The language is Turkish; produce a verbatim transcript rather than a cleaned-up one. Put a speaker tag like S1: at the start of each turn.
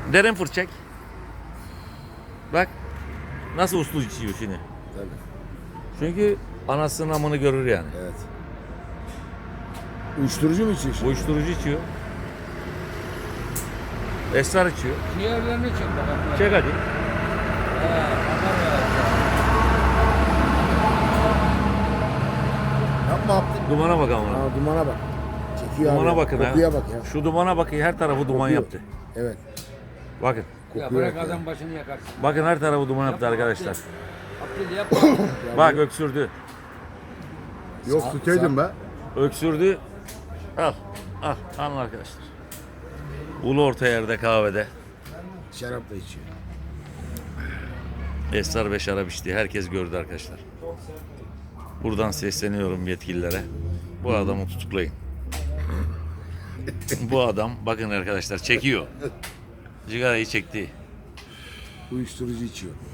S1: Derin fırt çek. Bak. Nasıl uslu içiyor şimdi.
S2: Tabii.
S1: Çünkü anasının amını görür yani.
S2: Evet. Uyuşturucu mu içiyor şimdi?
S1: Uyuşturucu içiyor. Esrar içiyor.
S3: Ciğerlerini çek bakalım.
S1: Çek hadi.
S3: He, bakar ya.
S2: Yapma Abdül.
S1: Dumana bak ama.
S2: Aa, dumana bak. Çekiyor
S1: Dumana
S2: abi.
S1: bakın ha.
S2: Kokuya bak ya.
S1: Şu dumana bakın, her tarafı duman
S2: Kokuyor.
S1: yaptı.
S2: Evet.
S1: Bakın.
S3: Ya
S2: Kokuyor
S3: bırak
S2: bak ya.
S3: adam başını yakarsın.
S1: Bakın her tarafı duman yaptı arkadaşlar.
S3: Abdül yapma.
S1: Bak öksürdü.
S2: Yok tutaydın be.
S1: Öksürdü. Al. Al. Alın arkadaşlar. Ulu orta yerde kahvede.
S2: Şarap da içiyor.
S1: Esrar ve şarap içti. Herkes gördü arkadaşlar. Buradan sesleniyorum yetkililere. Bu adamı tutuklayın. Bu adam bakın arkadaşlar çekiyor. Cigarayı çekti.
S2: Uyuşturucu içiyor.